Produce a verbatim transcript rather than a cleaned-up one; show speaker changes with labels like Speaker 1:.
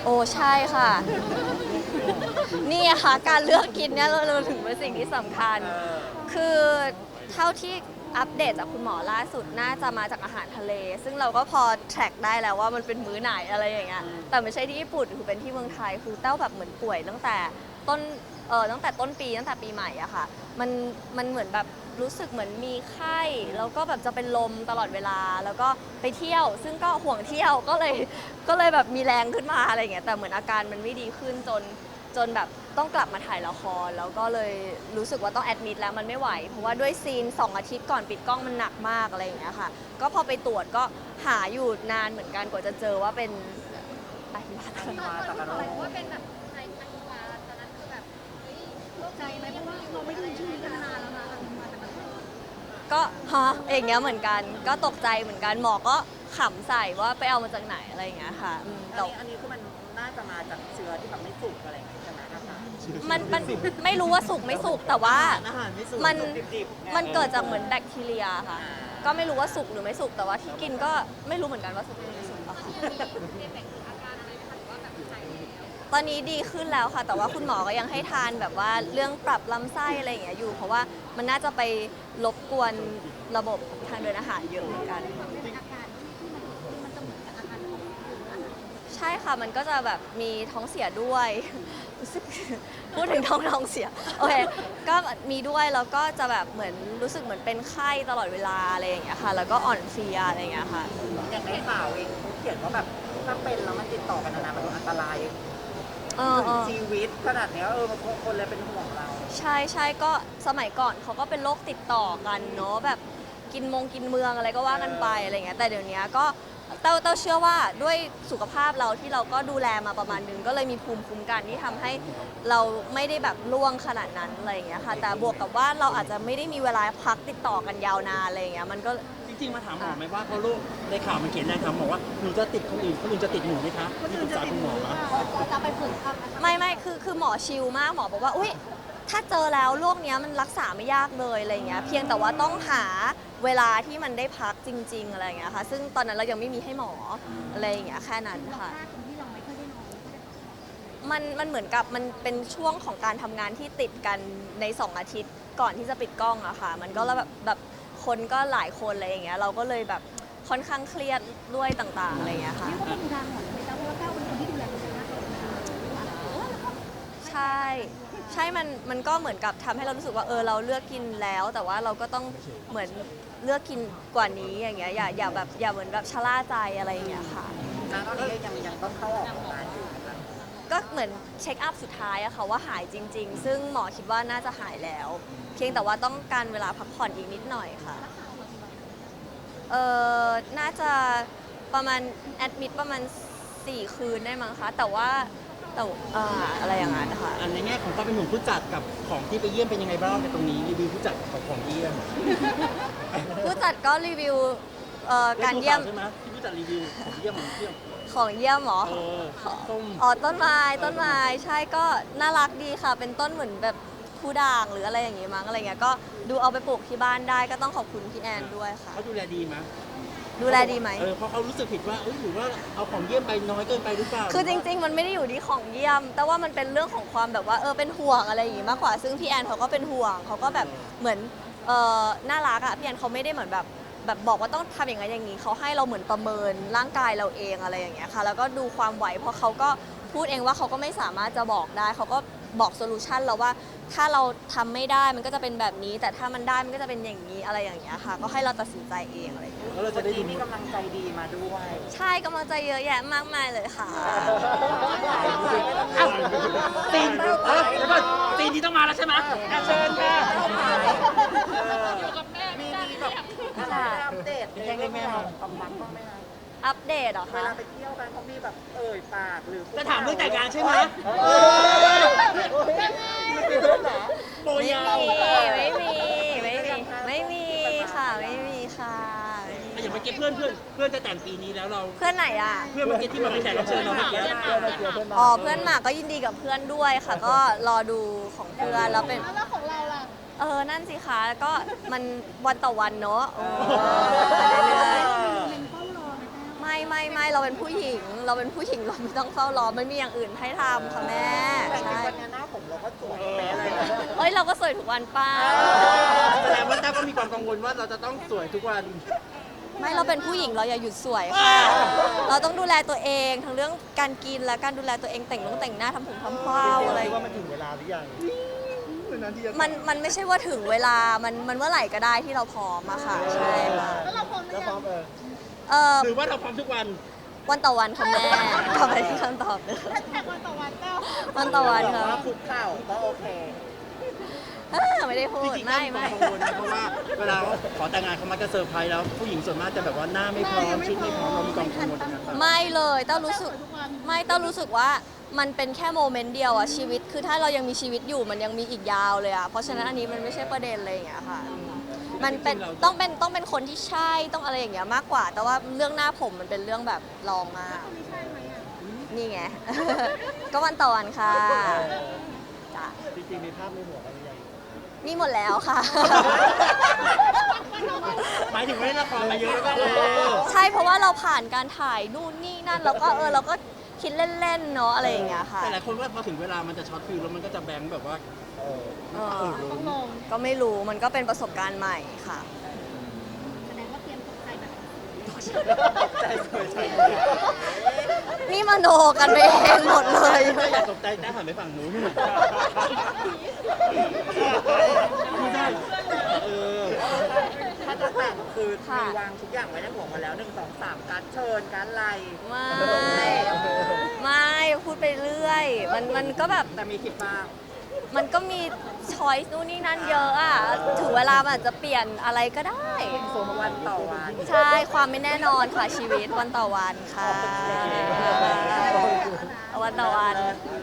Speaker 1: โอ้ใช่ค่ะนี่ค่ะการเลือกกินเนี่ยเราเราถึงเป็นสิ่งที่สำคัญ คือเท่าที่อัปเดตจากคุณหมอล่าสุดน่าจะมาจากอาหารทะเล ซึ่งเราก็พอแทร็กได้แล้วว่ามันเป็นมื้อไหนอะไรอย่างเงี้ยแต่ไม่ใช่ที่ญี่ปุ่นคือเป็นที่เมืองไทยคือเต้าแบบเหมือนป่วยตั้งแต่ต้นเออตั้งแต่ต้นปีตั้งแต่ปีใหม่อะค่ะมันมันเหมือนแบบรู้สึกเหมือนมีไข้แล้วก็แบบจะเป็นลมตลอดเวลาแล้วก็ไปเที่ยว ซึ่งก็ห่วงเที่ยวก็เลยก็เลยแบบมีแรงขึ้นมาอะไรอย่างเงี้ยแต่เหมือนอาการมันไม่ดีขึ้นจน จนแบบต้องกลับมาถ่ายละครแล้วก็เลยรู้สึกว่าต้องแอดมิดแล้วมันไม่ไหวเพราะว่าด้วยซีนสองอาทิตย์ก่อนปิดกล้องมันหนักมากอะไรอย่างเงี้ยค่ะก็พอไปตรวจก็หาอยู่นานเหมือนกันกว่าจะเจอว่าเป็นไตวาย
Speaker 2: ตอนคนที่บอกว่าเป็นแบบไทยอันวาตอนนั้นคือแบบเฮ้ยโล่งใจไหมเพราะว่าเราไม่ได้ยินชื่อนี้กันนานแล้วนะอันวาแต่มัน
Speaker 1: ก็ฮะอย่างเงี้ยเหมือนกันก็ตกใจเหมือนกันหมอก็ขำใส่ว่าไปเอามาจากไหนอะไรอย่างเงี้ยค่ะอืม
Speaker 3: อัน
Speaker 1: แต่
Speaker 3: นี้อันนี้คือมันน่าจะมาจากเชื้อที่แบบไม่สุกอะไรอย่างเงี้ยใช่ไหมอาหาร
Speaker 1: มันมันไม่รู้ว่าสุกไม่สุกแต่ว่า
Speaker 3: อาหารไม่สุก
Speaker 1: มัน
Speaker 3: ดิบๆไง
Speaker 1: มันเกิดจากเหมือนแบคทีเรียค่ะ ก็ไม่รู้ว่าสุกหรือไม่สุกแต่ว่าที่กินก็ไม่รู้เหมือนกันว่าสุกหรือไม่สุกอะค่ะ
Speaker 2: มีเอฟเฟกต์หรืออาการอะไรไหมคะหรือว่าแบบหายแล้ว
Speaker 1: ตอนนี้ดีขึ้นแล้วค่ะ แต่ว่าคุณหมอก็ยังให้ทานแบบว่าเรื่องปรับลำไส้อะไรอย่างเงี้ยอยู่ เพราะว่ามันน่าจะไปรบกวนระบบทางเดินอาหารเยอะเหมือนกัน
Speaker 2: เป็นอาการที่ที่มันที่มันจะเหมือนกับอาการของอื่นนะคะ
Speaker 1: ใช่ค่ะ มันก็จะแบบมีท้องเสียด้วย รู้สึกพูดถึงท้องท้องเสีย โอเค ก็มีด้วยแล้วก็จะแบบเหมือนรู้สึกเหมือนเป็นไข้ตลอดเวลาอะไรอย่างเงี้ยค่ะ แล้วก็อ่อนเพลียอะไรอย่างเงี้ยค่ะ
Speaker 3: อย่างในข่าวเองเขาเขียนว่าแบบถ้าเป็นแล้วมันติดต่อกันนานๆมันอันตราย
Speaker 1: เออ
Speaker 3: ถึ
Speaker 1: เอง อ
Speaker 3: ชีวิตขนาดเนี้ยเออมันคนเลยเป็นห่วงเรา
Speaker 1: ใช่ใช่ก็สมัยก่อนเขาก็เป็นโรคติดต่อกันเนาะแบบกินมงกินเมืองอะไรก็ว่ากันไปอะไรเงี้ยแต่เดี๋ยวนี้ก็เต้าเต้าเชื่อว่าด้วยสุขภาพเราที่เราก็ดูแลมาประมาณนึงก็เลยมีภูมิคุ้มกันที่ทำให้เราไม่ได้แบบล่วงขนาดนั้นอะไรอย่างเงี้ยค่ะแต่บวกกับว่าเราอาจจะไม่ได้มีเวลาพักติดต่อกันยาวนานอะไรอย่างเงี้ยมันก็
Speaker 4: จริงๆมาถามหมอไหมว่าเพราะลูกในข่าวมันเขียนนะครับบอกว่าหนูจะติดคนอื่นคนอื่นจะติดหนูไหมคะมีปรึกษาคุณหมอไหม
Speaker 2: จะไปฝึกทำนะคะ
Speaker 1: ไม่ไม่คือคือหมอชิลมากหมอบอกว่าอุ้ยถ้าเจอแล้วโรคเนี้ยมันรักษาไม่ยากเลยอะไรเงี้ยเพียงแต่ว่าต้องหาเวลาที่มันได้พักจริง ๆอะไรเงี้ยค่ะซึ่งตอนนั้นเรายังไม่มีให้หมออะไรอย่างเงี้ยแค่นั้นค่ะ
Speaker 2: ถ้าคนที่เราไม่ค่อยได้นอนไม่ค่อยได้พักผ่อน
Speaker 1: มันมันเหมือนกับมันเป็นช่วงของการทำงานที่ติดกันในสองอาทิตย์ก่อนที่จะปิดกล้องอะค่ะมันก็แล้วแบบแบบคนก็หลายคนอะไรอย่างเงี้ยเราก็เลยแบบค่อนข้างเครียดด้วยต่างๆอะไรอย่างเงี้ยค่ะ
Speaker 2: เรียกว่าเป็นอุทาหรณ์เลยนะเพราะว่าก้าวเป็นคนที่ดูแลตัวเองมากเลยนะคะโอ้แล้วก็
Speaker 1: ใช่ใช่มันมันก็เหมือนกับทำให้เรารู้สึกว่าเออเราเลือกกินแล้ว แต่ว่าเราก็ต้องเหมือนเลือกกินกว่านี้อย่างเงี้ยอย่าอย่าแบบอย่าเหมือนแบบชะล่าใจอะไรอย่างเงี้ยค่ะ
Speaker 3: นะตอนนี้ยังยังต้องเข้าออกโรงพยาบาลอยู่นะคะ
Speaker 1: ก็เหมือนเช็คอัพสุดท้ายอะค่ะว่าหายจริง ๆ ซึ่งหมอคิดว่าน่าจะหายแล้ว เพียงแต่ว่าต้องการเวลาพักผ่อนอีกนิดหน่อยค่ะเออน่าจะประมาณแอดมิดประมาณสี่คืนได้มั้งคะแต่ว่าแต่อ่าอะไรอย่างนั้นนะคะ
Speaker 4: อันในแง่ของความเป็นห่วงผู้จัดกับของที่ไปเยี่ยมเป็นยังไงบ้างในตรงนี้รีวิวผู้จัดของของเยี่ยม
Speaker 1: ผู้จัดก็รีวิวเอ่อการเยี่ยม
Speaker 4: ใช่ไหมที่ผู้จัดรีวิวของเยี่ยมของเยี่ยม
Speaker 1: ของเยี่ยมเหรอ
Speaker 4: เออส้ม
Speaker 1: อ๋อต้นไม้ต้นไม้ใช่ก็น่ารักดีค่ะ เป็นต้นเหมือนแบบผู้ด่างหรืออะไรอย่างงี้มั้งอะไรเงี้ยก็ดูเอาไปปลูกที่บ้านได้ก็ต้องขอบคุณพี่แอนด้วยค่ะ
Speaker 4: เขาดูแลดีไหม
Speaker 1: ดูแลดีไหม
Speaker 4: เออเพราะเขารู้สึกผิดว่าเอ้ยหรือว่าเอาของเยี่ยมไปน้อยเกินไปหรือเปล่า
Speaker 1: คือจริง ๆ มันไม่ได้อยู่ที่ของเยี่ยม แต่ว่ามันเป็นเรื่องของความแบบว่าเออเป็นห่วงอะไรอย่างงี้มากกว่า ซึ่งพี่แอนเขาก็เป็นห่วงเขาก็แบบเหมือนเออน่ารักอะพี่แอนเขาไม่ได้เหมือนแบบแบบบอกว่าต้องทำอย่างนั้นอย่างนี้เขาให้เราเหมือนประเมินร่างกายเราเองอะไรอย่างเงี้ยค่ะแล้วก็ดูความไหวเพราะเขาก็พูดเองว่าเขาก็ไม่สามารถจะบอกได้เขาก็บอกโซลูชันเราว่าถ้าเราทำไม่ได้มันก็จะเป็นแบบนี้ แต่ถ้ามันได้มันก็จะเป็นอย่างนี้อะไรอย่างเงี้ยค่ะ ก็ให้เราตัดสินใจเองอะไรอย่างเงี้ย
Speaker 4: แล้วเรา
Speaker 3: วั
Speaker 4: จะ
Speaker 3: น
Speaker 4: ได้
Speaker 3: นี้
Speaker 4: ดู
Speaker 3: มีกำลังใจดีมาด้วย
Speaker 1: ใช่กำลังใจเยอะแยะมากมายเลยค่ะ
Speaker 4: อ้าวตีนเออเดี๋ยวก่อนตีนที่ต้องมาแล้วใช่ไหมอ่ะเชิญค่ะ
Speaker 2: อยู่กับแม่
Speaker 3: มี
Speaker 2: ไม่ได้
Speaker 3: มี
Speaker 2: ไม่
Speaker 3: แบบ
Speaker 2: อยาก
Speaker 3: อะไรอัปเดตในเรื่องของความรักบ้างไหมคะ
Speaker 1: อัปเดตเหรอ
Speaker 3: เว
Speaker 1: คะ
Speaker 3: ลาไปเที่ยวกันเขามีแบบเอ่ยปากหรือ
Speaker 4: จะถามเรื่องแต่งงานใช่ไหม
Speaker 3: มีเรื่องเหรอ
Speaker 4: โบ
Speaker 1: ไม่
Speaker 4: ยา
Speaker 1: มี
Speaker 4: ว
Speaker 1: ไม่มีไม่มีไม่มีค่ะไม่มีค่ะไม่มี
Speaker 4: อย่างเมื่อกี้เพื่อนเพื่อนเพื่อนจะแต่งปีนี้แล้วเรา
Speaker 1: เพื่อนไหนอ่ะ
Speaker 4: เพื่อนเมื่อกี้ที่มาเป็นแขกรับเชิญเราเมื่อกี้
Speaker 1: อ๋อเพื่อนหมากก็ยินดีกับเพื่อนด้วยค่ะ ก็รอดูของเพื่อนแล้วเป็น
Speaker 2: แล้วของเราล่ะ
Speaker 1: เออนั่นสิคะก็มันวันต่อวันเนอะโอ้ไปเรื่อย
Speaker 2: เป็นเฝ้ารอนะ
Speaker 1: ๆไม่ไม่ไม่เราเป็นผู้หญิง เราเป็นผู้หญิงเราไม่ต้องเฝ้ารอไม่มีอย่างอื่นให้ทำค่ะแม่
Speaker 3: แต่จริง
Speaker 1: ใช่
Speaker 3: ๆวันนี้หน้าผมเราก็สวยแม้เลย
Speaker 1: เอ้ยเราก็สวยทุกวันป้า
Speaker 4: แสดงว่าแต้วก็มีความกังวลว่าเราจะต้องสวยทุกวัน
Speaker 1: ไม่เราเป็นผู้หญิงเราอย่าหยุดสวยค่ะ เราต้องดูแลตัวเองทั้งเรื่องการกินและการดูแลตัวเองแต่งนุ่งแต่งหน้าทำผมทำเผ้าอะไรอย่าง
Speaker 5: ว่า
Speaker 1: เงี้ย
Speaker 5: มันถึงเวลาหรือยังนานที่จะ
Speaker 1: มันมันไม่ใช่ว่าถึงเวลา มันมันเมื่อไหร่ก็ได้ที่เราพร้อมอะค่ะ ใช่ค่ะ
Speaker 2: แล้วเราพร้อมหรื
Speaker 5: แล้ว
Speaker 2: อ
Speaker 5: พ
Speaker 2: ยั
Speaker 5: ร้อง มเออ
Speaker 1: เออ
Speaker 4: หรือว่าเราพร้อมทุกวัน
Speaker 1: วันต่อวันค่ะแม่กลับไปที่คำตอบเลย
Speaker 2: แท็กวันต่อวันเจ้า
Speaker 1: วันต่อวันค่ะ
Speaker 3: ว่าคุกเข่าก็โอเค
Speaker 1: เออไม่ได้พู
Speaker 4: จ
Speaker 1: ด
Speaker 4: ริงๆ
Speaker 1: ไม่
Speaker 4: ไม่
Speaker 1: ไม่
Speaker 4: กังวลนะเพราะว่าเวลาขอแต่งงานเขามักจะเซอร์ไพรส์แล้วผู้หญิงส่วนมากจะแบบว่าหน้าไม่พร้อมชุดไม่พร้อมเรามีความกังวลตรงนั้นปะ
Speaker 1: ไม่เลยเต้ารู้สึกไม่เต้ารู้สึกว่ามันเป็นแค่โมเมนต์เดียวอะชีวิตคือถ้าเรายังมีชีวิตอยู่มันยังมีอีกยาวเลยอะเพราะฉะนั้นอันนี้มันไม่ใช่ประเด็นอะไรอย่างเงี้ยค่ะมันเป็นต้องเป็นต้องเป็นคนที่ใช่ต้องอะไรอย่างเงี้ยมากกว่า แต่ว่าเรื่องหน้าผมมันเป็นเรื่องแบบรองมากนี่ไง ก็วันต่อวันค่ะจ้ะ
Speaker 5: จริงๆมีภาพในหัวกันหรือยัง
Speaker 1: มีหมดแล้วค่ะ
Speaker 4: หมายถึงว่าเล่นละครมาเยอะแล้วก็เออ
Speaker 1: ใช่เพราะว่าเราผ่านการถ่ายนู่นนี่นั่นแล้วก็เออเราก็คิดเล่นๆเนาะอะไรอย่างเงี้ยค่ะ
Speaker 4: แต่หลายคนว่าพอถึงเวลามันจะช็อตฟิลแล้วมันก็จะแบงค์แบบว่า
Speaker 5: เออ
Speaker 1: เออก็ไม่รู้มันก็เป็นประสบการณ์ใหม่ค่ะ
Speaker 2: แสดงว่าเตรียมตกใจแบบ
Speaker 3: ใจสวยใจ
Speaker 1: นี่มโนกันไปเองหมดเลย
Speaker 4: ไม่อยากตกใจแต้วหันไปฝั่งนู้นไม่ได้เออ
Speaker 3: ถ้าจะแต่งคือ
Speaker 1: ค่ะ
Speaker 3: มีวางทุกอย่างไว้ในหัวหมาแล้วหนึ่งสองสามการดเชิญการดไลน์
Speaker 1: ไม่ ไม่พูดไปเรื่อย มันมันก็แบบ
Speaker 3: แต่มีคิดบ้าง
Speaker 1: มันก็มีช้อยส์นู่นนี่นั่นเยอะอ่ะ ถึงเวลามันอาจจะเปลี่ยนอะไรก็ได้
Speaker 3: วันต่อวัน
Speaker 1: ใช่ ความไม่แน่นอนค่ะชีวิตวันต่อวันค่ะ วันต่อวัน
Speaker 3: เออ